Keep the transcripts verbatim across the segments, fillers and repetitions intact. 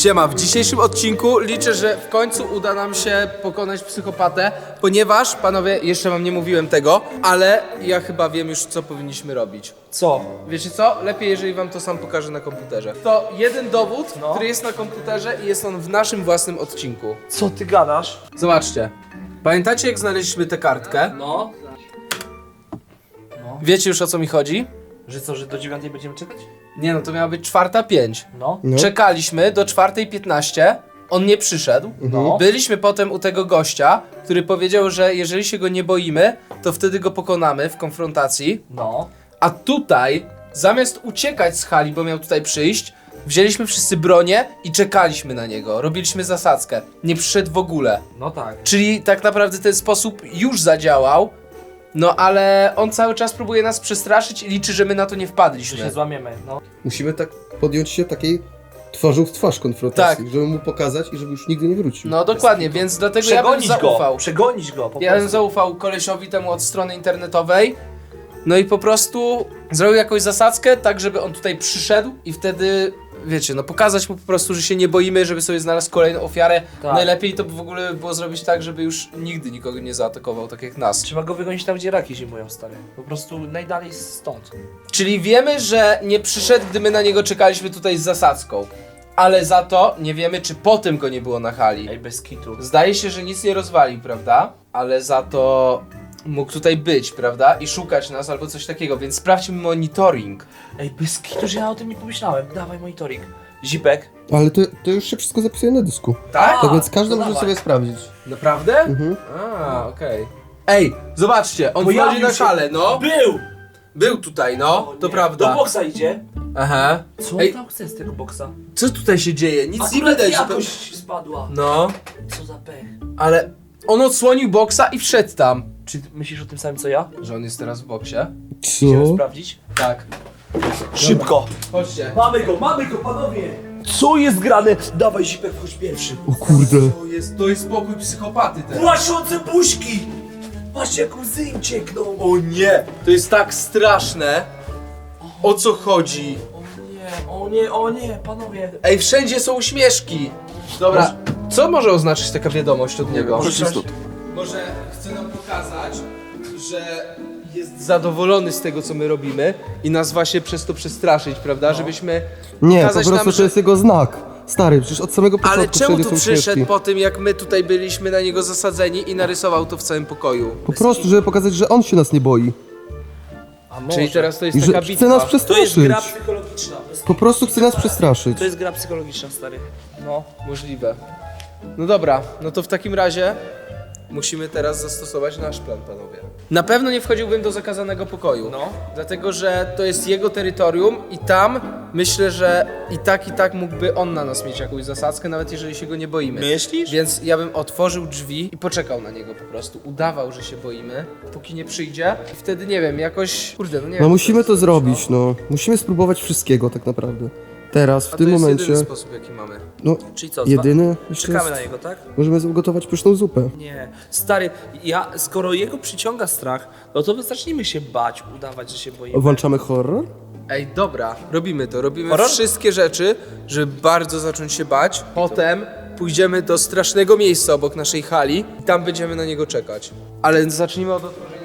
Siema, w dzisiejszym odcinku liczę, że w końcu uda nam się pokonać psychopatę, ponieważ, panowie, jeszcze wam nie mówiłem tego, ale ja chyba wiem już, co powinniśmy robić. Co? Wiecie co? Lepiej, jeżeli wam to sam pokażę na komputerze. To jeden dowód, No. który jest na komputerze i jest on w naszym własnym odcinku. Co ty gadasz? Zobaczcie. Pamiętacie, jak znaleźliśmy tę kartkę? No. Wiecie już, o co mi chodzi? Że co, że do dziewiątej będziemy czekać? Nie no, to miała być czwarta pięć. No. No. Czekaliśmy do czwartej piętnaście, on nie przyszedł. No. Byliśmy potem u tego gościa, który powiedział, że jeżeli się go nie boimy, to wtedy go pokonamy w konfrontacji. No. A tutaj, zamiast uciekać z hali, bo miał tutaj przyjść, wzięliśmy wszyscy bronię i czekaliśmy na niego. Robiliśmy zasadzkę. Nie przyszedł w ogóle. No tak. Czyli tak naprawdę ten sposób już zadziałał, no ale on cały czas próbuje nas przestraszyć i liczy, że my na to nie Że wpadliśmy. się złamiemy, no. Musimy tak podjąć się takiej twarzą w twarz konfrontacji, Tak. żeby mu pokazać i żeby już nigdy nie wrócił. No dokładnie, więc dlatego ja bym Przegonić zaufał. go. Przegonić go, po Ja bym prostu. zaufał kolesiowi temu od strony internetowej. No i po prostu zrobił jakąś zasadzkę, tak żeby on tutaj przyszedł i wtedy, wiecie, no pokazać mu po prostu, że się nie boimy, żeby sobie znalazł kolejną ofiarę. Tak. Najlepiej to by w ogóle było zrobić tak, żeby już nigdy nikogo nie zaatakował, tak jak nas. Trzeba go wygonić tam, gdzie raki zimują, stary. Po prostu najdalej stąd. Czyli wiemy, że nie przyszedł, gdy my na niego czekaliśmy tutaj z zasadzką. Ale za to nie wiemy, czy potem go nie było na hali. Ej, bez kitu. Zdaje się, że nic nie rozwalił, prawda? Ale za to mógł tutaj być, prawda? I szukać nas albo coś takiego, więc sprawdźmy monitoring. Ej, bez kitu, że ja o tym nie pomyślałem. Dawaj monitoring. Zipek. Ale to, to już się wszystko zapisuje na dysku. Tak? Tak więc każdy to może dawaj. sobie sprawdzić. Naprawdę? Mhm. A, okej. Ej, zobaczcie, on Pojawił wchodzi na się. halę, no. Był! Był tutaj, no, O to nie. prawda. Do boksa idzie. Aha. Co Ej, on tam chce z tego boksa? co tutaj się dzieje? Nic nie Akurat widać. To... jakość spadła. No, Co za pech. ale on odsłonił boksa i wszedł tam. Czy myślisz o tym samym co ja? Że on jest teraz w boksie? Chcemy Co? sprawdzić? Tak. Szybko! Chodźcie. Mamy go, mamy go, panowie! Co jest grane? Dawaj, Zipek, wchodź pierwszy. O kurde. To jest, to jest pokój psychopaty teraz. Płaszczące buźki! Patrzcie, jak łzy im ciekną. O nie! To jest tak straszne. O co chodzi? O nie, o nie, o nie, panowie. Ej, wszędzie są uśmieszki. Dobra, co może oznaczyć taka wiadomość od niego? Może chce nam pokazać, że jest zadowolony z tego, co my robimy i nas właśnie przez to przestraszyć, prawda? Żebyśmy Nie, po pokazać prostu nam, to jest jego znak. Stary, przecież od samego początku Ale czemu wszędzie tu są przyszedł śmieszki. po tym, jak my tutaj byliśmy na niego zasadzeni i narysował to w całym pokoju? Po prostu, żeby pokazać, że on się nas nie boi. A może. Czyli teraz to jest I że taka chce bitwa. nas To jest przestraszyć. gra psychologiczna. To jest, Po prostu chce nas przestraszyć. to jest gra psychologiczna, stary. No. Możliwe. No dobra, no to w takim razie musimy teraz zastosować nasz plan, panowie. Na pewno nie wchodziłbym do zakazanego pokoju. No. Dlatego, że to jest jego terytorium i tam myślę, że i tak, i tak mógłby on na nas mieć jakąś zasadzkę, nawet jeżeli się go nie boimy. Myślisz? Więc ja bym otworzył drzwi i poczekał na niego po prostu. Udawał, że się boimy, póki nie przyjdzie. I wtedy nie wiem, jakoś. Kurde, no nie wiem. No musimy to zrobić, no. Musimy spróbować wszystkiego tak naprawdę. Teraz, w A tym to jest momencie, jedyny sposób, jaki mamy. no, Czyli co? jedyny jeszcze Czekamy jest, na niego, tak? możemy ugotować pyszną zupę. Nie. Stary, ja, skoro jego przyciąga strach, no to zacznijmy się bać, udawać, że się boimy. Włączamy horror? Ej, dobra, robimy to. Robimy Horror? wszystkie rzeczy, żeby bardzo zacząć się bać. Potem pójdziemy do strasznego miejsca obok naszej hali i tam będziemy na niego czekać. Ale zacznijmy od otworzenia.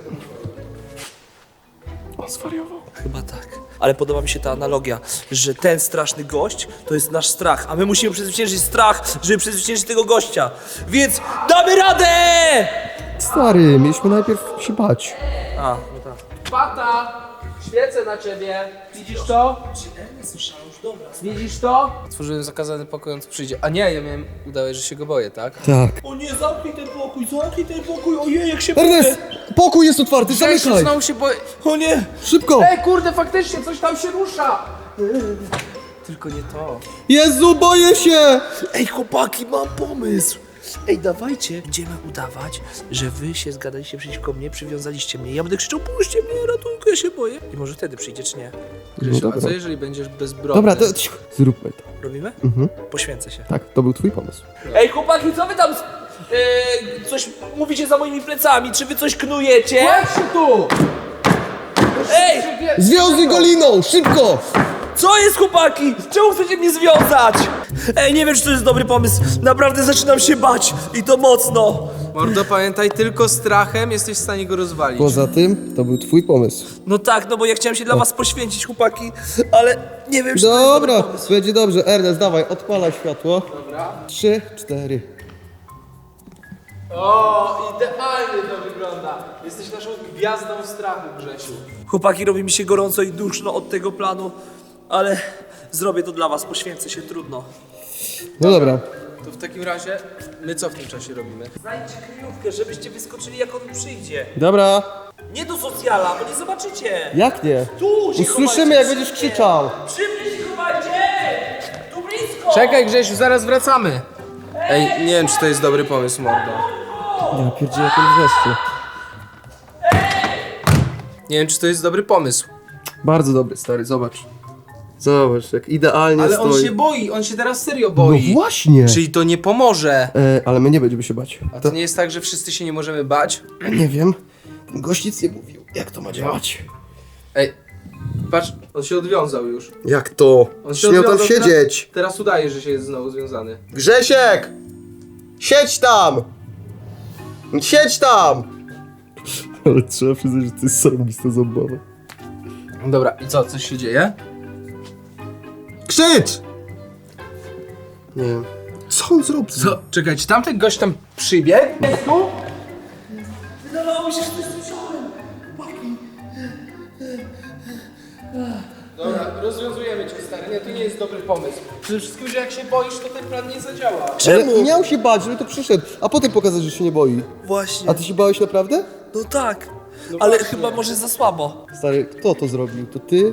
On zwariował. Chyba tak. Ale podoba mi się ta analogia, że ten straszny gość to jest nasz strach, a my musimy przezwyciężyć strach, żeby przezwyciężyć tego gościa. Więc damy radę! Stary, mieliśmy najpierw się bać. A, no tak. Pata! Świecę na ciebie! Widzisz to? Widzisz to? Otworzyłem zakazany pokój, on tu przyjdzie. A nie, ja miałem udałeś, że się go boję, tak? Tak. O nie, zamknij ten pokój, zamknij ten pokój, ojej, jak się boję. Ernest! Pokój jest otwarty, Ja się zamykaj! znowu się boję. O nie! Szybko! Ej, kurde, faktycznie coś tam się rusza! Tylko nie to. Jezu, boję się! Ej, chłopaki, mam pomysł! Ej, dawajcie, będziemy udawać, że wy się zgadaliście przeciwko mnie, przywiązaliście mnie. Ja będę krzyczał, puśćcie mnie, ratunku, ja się boję. I może wtedy przyjdzie, czy nie? No Grzesiu, a dobra. co jeżeli będziesz bezbronny? Dobra, to cicho, zróbmy to. Robimy? Poświęcę się. Tak, to był twój pomysł. Ej, chłopaki, co wy tam e, coś mówicie za moimi plecami? Czy wy coś knujecie? Chodź tu! Ej! Związuj go liną, szybko! Co jest, chłopaki? Czemu chcecie mnie związać? Ej, nie wiem, czy to jest dobry pomysł. Naprawdę zaczynam się bać i to mocno. Mordo, pamiętaj, tylko strachem jesteś w stanie go rozwalić. Poza tym, to był twój pomysł. No tak, no bo ja chciałem się dla was poświęcić, chłopaki, ale nie wiem, czy to jest dobry Dobra, pomysł. będzie dobrze. Ernest, dawaj, odpalaj światło. Dobra. Trzy, cztery. O, idealnie to wygląda. Jesteś naszą gwiazdą strachu, Grzesiu. Chłopaki, robi mi się gorąco i duszno od tego planu, ale zrobię to dla was, poświęcę się, trudno. No dobra. To w takim razie, my co w tym czasie robimy? Znajdźcie kryjówkę, żebyście wyskoczyli, jak on przyjdzie. Dobra. Nie do socjala, bo nie zobaczycie. Jak nie? Tu się Usłyszymy, chowajcie, jak będziesz szybciej. krzyczał. Przy mnie się chowajcie! Tu blisko! Czekaj, Grzesiu, zaraz wracamy. Ej, nie wiem, czy to jest dobry pomysł, mordo. Ja pierdzielę, jak on wreszcie. Nie wiem, czy to jest dobry pomysł. Bardzo dobry, stary, zobacz. Zobacz, jak idealnie Ale on stoi. się boi, on się teraz serio No boi. właśnie. Czyli to nie pomoże. E, ale my nie będziemy się bać. A to nie jest tak, że wszyscy się nie możemy bać? Nie wiem. Ten gość nic nie mówił. Jak to ma działać? Ej, patrz, on się odwiązał już. Jak to? On się Śmiał tam odwiązał, siedzieć. Teraz, teraz udaje, że się jest znowu związany. Grzesiek! Siedź tam! Siedź tam! Ale trzeba przyznać, że to jest zarobista zabawa. Dobra, i co, coś się dzieje? Krzycz! Nie wiem. Co on zrobił? Co? Czekaj, czy tamten gość tam przybiegł? Wydawało mi się, że coś słyszałem. Dobra, rozwiązujemy cię, stary. Nie, to nie jest dobry pomysł. Przede wszystkim, że jak się boisz, to ten plan nie zadziała. Ale miał się bać, żeby to przyszedł, a potem pokazać, że się nie boi. Właśnie. A ty się bałeś naprawdę? No tak. Ale właśnie. chyba może za słabo. Stary, kto to zrobił? To ty?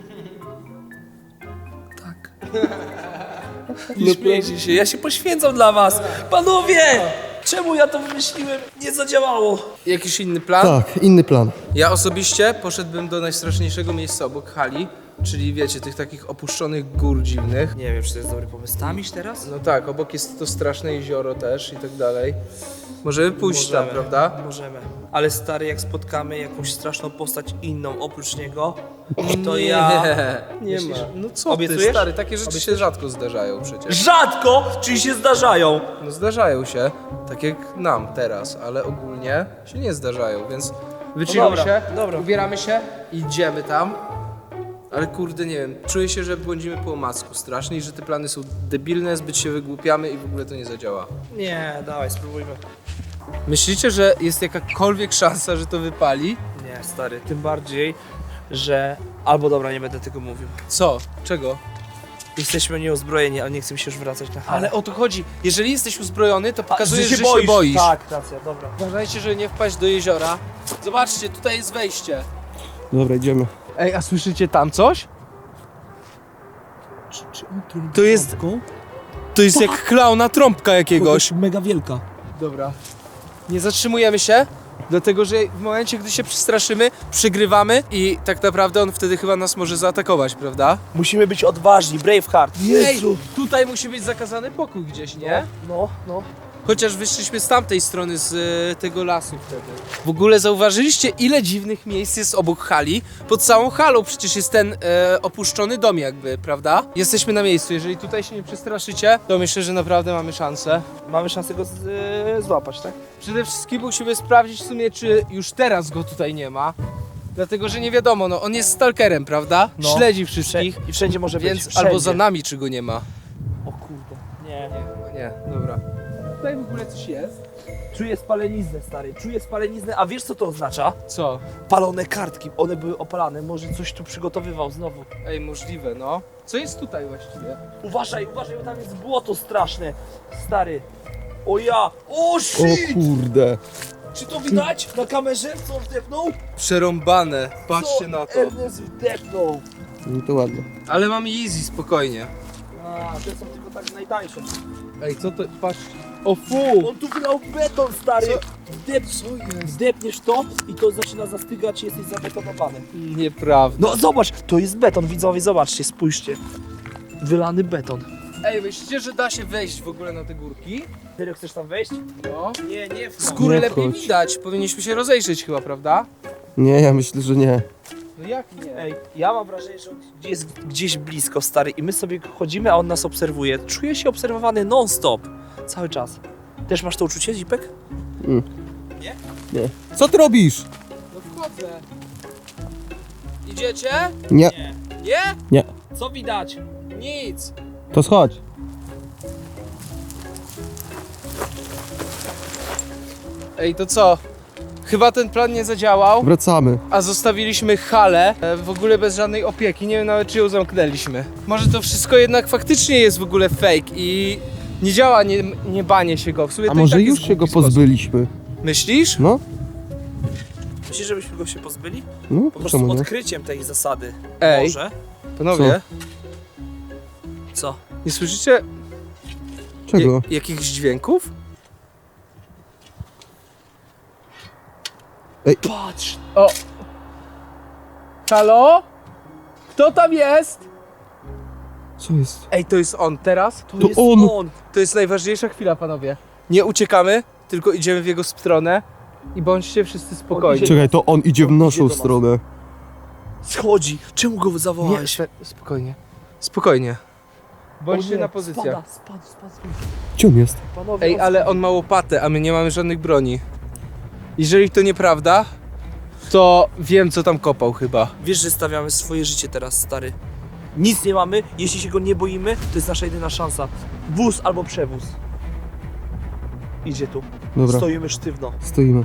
Tak. Nie śmiejcie się, ja się poświęcam dla was. Panowie! Czemu ja to wymyśliłem? Nie zadziałało. Jakiś inny plan? Tak, inny plan. Ja osobiście poszedłbym do najstraszniejszego miejsca obok hali, czyli wiecie, tych takich opuszczonych gór dziwnych. Nie wiem, czy to jest dobry pomysł. Tam iść teraz? No tak, obok jest to straszne jezioro też i tak dalej. Możemy pójść tam, prawda? Możemy. Ale stary, jak spotkamy jakąś straszną postać inną oprócz niego, to ja... Nie, nie Myślisz? ma. No co ty, Obiecujesz? stary, takie rzeczy się rzadko zdarzają przecież. Rzadko, czyli się zdarzają. No zdarzają się, tak jak nam teraz, ale ogólnie się nie zdarzają, więc wychillujmy dobra, się, dobra. ubieramy się i idziemy tam. Ale kurde, nie wiem, czuję się, że błądzimy po omacku strasznie i że te plany są debilne, zbyt się wygłupiamy i w ogóle to nie zadziała. Nie, dawaj, spróbujmy. Myślicie, że jest jakakolwiek szansa, że to wypali? Nie, stary, tym bardziej, że... Albo dobra, nie będę tego mówił. Co? Czego? Jesteśmy nieuzbrojeni, ale nie chcę mi się już wracać na halę. Ale o to chodzi. Jeżeli jesteś uzbrojony, to pokazujesz, że że się się boisz. Tak, racja, dobra. Uważajcie, żeby nie wpaść do jeziora. Zobaczcie, tutaj jest wejście. Dobra, idziemy. Ej, a słyszycie tam coś? Czy, czy on trąbi To jest- trąbką? To jest jak klauna trąbka jakiegoś. Mega wielka. Dobra. Nie zatrzymujemy się, dlatego że w momencie, gdy się przestraszymy, przegrywamy i tak naprawdę on wtedy chyba nas może zaatakować, prawda? Musimy być odważni, Braveheart. Ej, tutaj musi być zakazany pokój gdzieś, nie? No, no. Chociaż wyszliśmy z tamtej strony, z e, tego lasu wtedy. W ogóle zauważyliście, ile dziwnych miejsc jest obok hali? Pod całą halą przecież jest ten e, opuszczony dom jakby, prawda? Jesteśmy na miejscu, jeżeli tutaj się nie przestraszycie, to myślę, że naprawdę mamy szansę. Mamy szansę go z, y, złapać, tak? Przede wszystkim musimy sprawdzić w sumie, czy już teraz go tutaj nie ma. Dlatego, że nie wiadomo, no on jest stalkerem, prawda? No. Śledzi wszystkich, I wszędzie może być. więc Wszędzie. albo za nami, czy go nie ma. O kurde. Nie. Nie, nie, dobra. Tutaj w ogóle coś jest. Czuję spaleniznę, stary. Czuję spaleniznę, a wiesz co to oznacza? Co? Palone kartki. One były opalane. Może coś tu przygotowywał znowu. Ej, możliwe, no. Co jest tutaj właściwie? Uważaj, uważaj, bo tam jest błoto straszne. Stary. O ja! O O shit! kurde. Czy to widać na kamerze, co on wdepnął? Przerąbane, patrzcie Co na to. Ernest wdepnął. No to ładnie. Ale mam easy, spokojnie. A, te są tylko tak najtańsze. Ej, co to? Patrz. O fu! On tu wylał beton, stary! Co? Wdep, wdepniesz to i to zaczyna zastygać i jesteś zabetonowany. Nieprawda. No zobacz, to jest beton, widzowie, zobaczcie, spójrzcie. Wylany beton. Ej, myślicie, że da się wejść w ogóle na te górki? Serio, chcesz tam wejść? No. Nie, nie Z góry Nie lepiej wchodź. widać. Powinniśmy się rozejrzeć chyba, prawda? Nie, ja myślę, że nie. No jak nie? Ej, ja mam wrażenie, że on gdzieś jest gdzieś blisko, stary, i my sobie chodzimy, a on nas obserwuje. Czuję się obserwowany non-stop. Cały czas. Też masz to uczucie, Zipek? Mm. Nie? Nie. Co ty robisz? No wchodzę. Idziecie? Nie. Nie. Nie? Nie. Co widać? Nic. To schodź. Ej, to co? Chyba ten plan nie zadziałał, Wracamy. a zostawiliśmy halę e, w ogóle bez żadnej opieki. Nie wiem nawet, czy ją zamknęliśmy. Może to wszystko jednak faktycznie jest w ogóle fake i nie działa nie, nie banie się go. W sumie A to i może tak już jest się go głupi sposób. pozbyliśmy? Myślisz? No? Myślisz, żebyśmy go się pozbyli? No, Po prostu czemu nie? odkryciem tej zasady. Ej. Może? Panowie, Co? nie słyszycie Czego? ja- jakichś dźwięków? Patrz! O! Halo? Kto tam jest? Co jest? Ej, to jest on teraz? To, To jest on. on! To jest najważniejsza chwila, panowie. Nie uciekamy, tylko idziemy w jego stronę i bądźcie wszyscy spokojni. Czekaj, to on idzie w On idzie naszą do nas. stronę. Schodzi! Czemu go Nie, zawołałeś? spe- spokojnie. Spokojnie. Bądźcie O nie, na pozycjach. Spada, spadł, spadł, spadł. Gdzie on jest? Panowie, Ej, ale on ma łopatę, a my nie mamy żadnych broni. Jeżeli to nieprawda, to wiem, co tam kopał chyba. Wiesz, że stawiamy swoje życie teraz, stary. Nic nie mamy, jeśli się go nie boimy, to jest nasza jedyna szansa. Wóz albo przewóz. Idzie tu. Dobra, Stoimy sztywno. stoimy.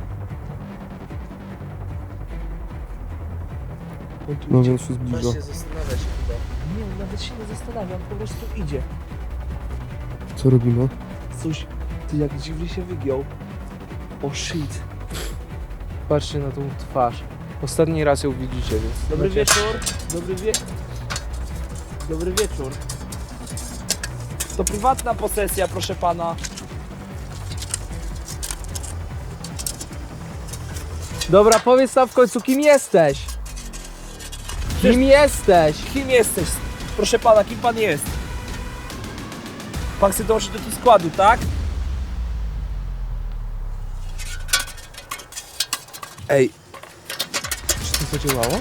On tu No idzie. więc się zbliża. Właśnie zastanawia się chyba. Nie, on nawet się nie zastanawia, on po prostu idzie. Co robimy? Coś, ty jak dziwnie się wygiął. O shit. Patrzcie na tą twarz. Ostatni raz ją widzicie, więc... Dobry znacie- wieczór. Dobry wie... Dobry wieczór. To prywatna posesja, proszę pana. Dobra, powiedz nam w końcu, kim jesteś? Kim jesteś? Kim jesteś? Proszę pana, kim pan jest? Pan chce dołączyć do tego składu, tak? Ej, czy to zadziałało?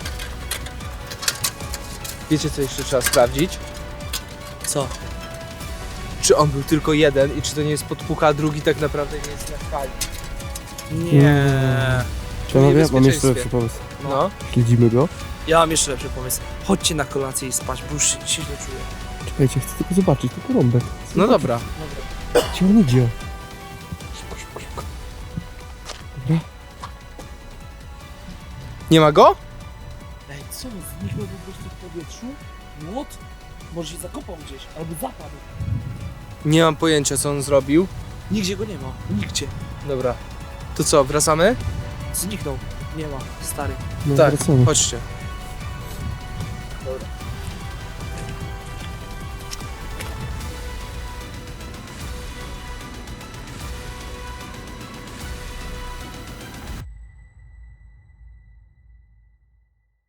Wiecie, co jeszcze trzeba sprawdzić? Co? Czy on był tylko jeden i czy to nie jest podpucha, a drugi tak naprawdę nie jest na hali? Nie. Panowie, mam jeszcze niebezpieczeństwie. lepszy pomysł. No. Śledzimy go. Ja mam jeszcze lepszy pomysł. Chodźcie na kolację i spać, bo już się, się źle czuję. Czekajcie, chcę tylko zobaczyć, tylko rąbek. Chcę No zobaczyć, dobra. Gdzie on idzie? Szybko, szybko, szybko. Dobra. Nie ma go? Ej, co? Zniknął po prostu w powietrzu? What? Może się zakopał gdzieś, albo zapadł. Nie mam pojęcia, co on zrobił. Nigdzie go nie ma, nigdzie. Dobra. To co, wracamy? Zniknął. Nie ma, stary. No, tak, wracamy. chodźcie. Dobra.